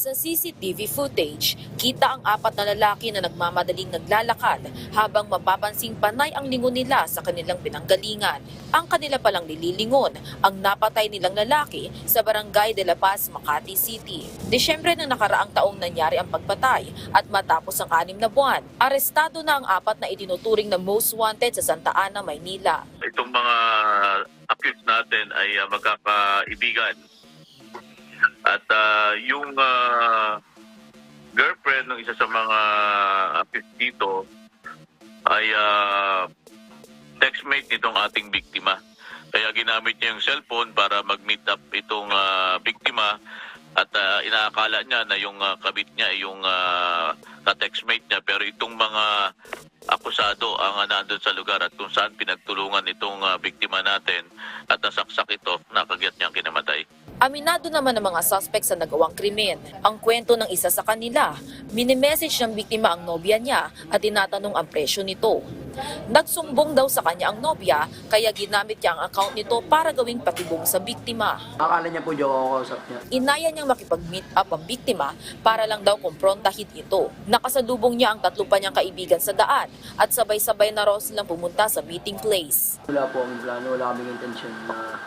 Sa CCTV footage, kita ang apat na lalaki na nagmamadaling naglalakad habang mapapansing panay ang lingon nila sa kanilang pinanggalingan. Ang kanila palang nililingon ang napatay nilang lalaki sa Barangay de la Paz, Makati City. Desyembre ng nakaraang taong nangyari ang pagpatay at matapos ang 6 na buwan, arestado na ang apat na itinuturing na most wanted sa Santa Ana, Maynila. Itong mga accused natin ay magkakaibigan. At yung girlfriend ng isa sa mga accused dito ay textmate nitong ating biktima. Kaya ginamit niya yung cellphone para mag-meet up itong biktima at inaakala niya na yung kabit niya ay yung ka-textmate niya. Pero itong mga akusado ang nandun sa lugar at kung saan pinagtulungan itong biktima natin at nasaksak ito, nakagyat niyang kinamatay. Aminado naman ng mga suspect sa nagawang krimen. Ang kwento ng isa sa kanila, minimessage ng biktima ang nobya niya at tinatanong ang presyo nito. Nagsumbong daw sa kanya ang nobya kaya ginamit niya ang account nito para gawing patibong sa biktima. Akala niya po joke ako kausap niya. Inaya niyang makipag-meet up ang biktima para lang daw kumprontahin ito. Nakasalubong niya ang 3 pa niyang kaibigan sa daan at sabay-sabay na raw silang pumunta sa meeting place. Wala po ang plano, wala kaming intention na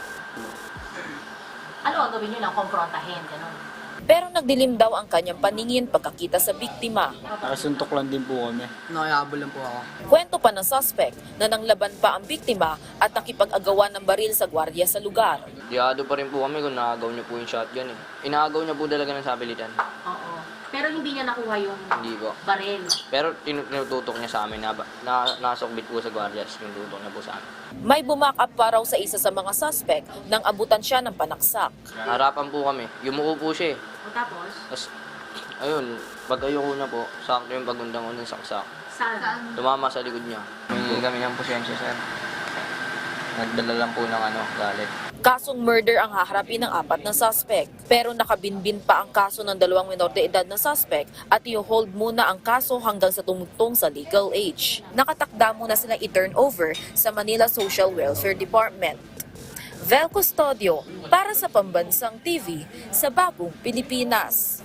Ano ang gawin nyo lang? Komprontahin, gano'n. Pero nagdilim daw ang kanyang paningin pagkakita sa biktima. Nakasuntok lang din po kami. nakihabol lang po ako. Kwento pa ng suspect na nanglaban pa ang biktima at nakipag-agawan ng baril sa gwardiya sa lugar. Diado pa rin po kami kung nakagaw niya po yung shotgun eh. Inaagaw niya po talaga ng sabilitan. Oo. Pero hindi niya nakuha yung Hindi po. baril. Pero tinututok niya sa amin na nasokbit po sa guardias yung tutok niya po sa amin. May bumakap pa raw sa isa sa mga suspect nang abutan siya ng panaksak. Harapan po kami. Yumuko po siya eh. O tapos, Tapos, ayun, pag ayoko na po, sakto yung pagundang ko ng saksak. saan? Tumama sa likod niya. May kami ng posensya, sir. Nagdala lang po ng galit. Kasong murder ang haharapin ng 4 na suspect. Pero nakabinbin pa ang kaso ng 2 minor de edad na suspect at i-hold muna ang kaso hanggang sa tumugtong sa legal age. Nakatakda muna silang i-turn over sa Manila Social Welfare Department. Vel Custodio para sa Pambansang TV sa Bagong Pilipinas.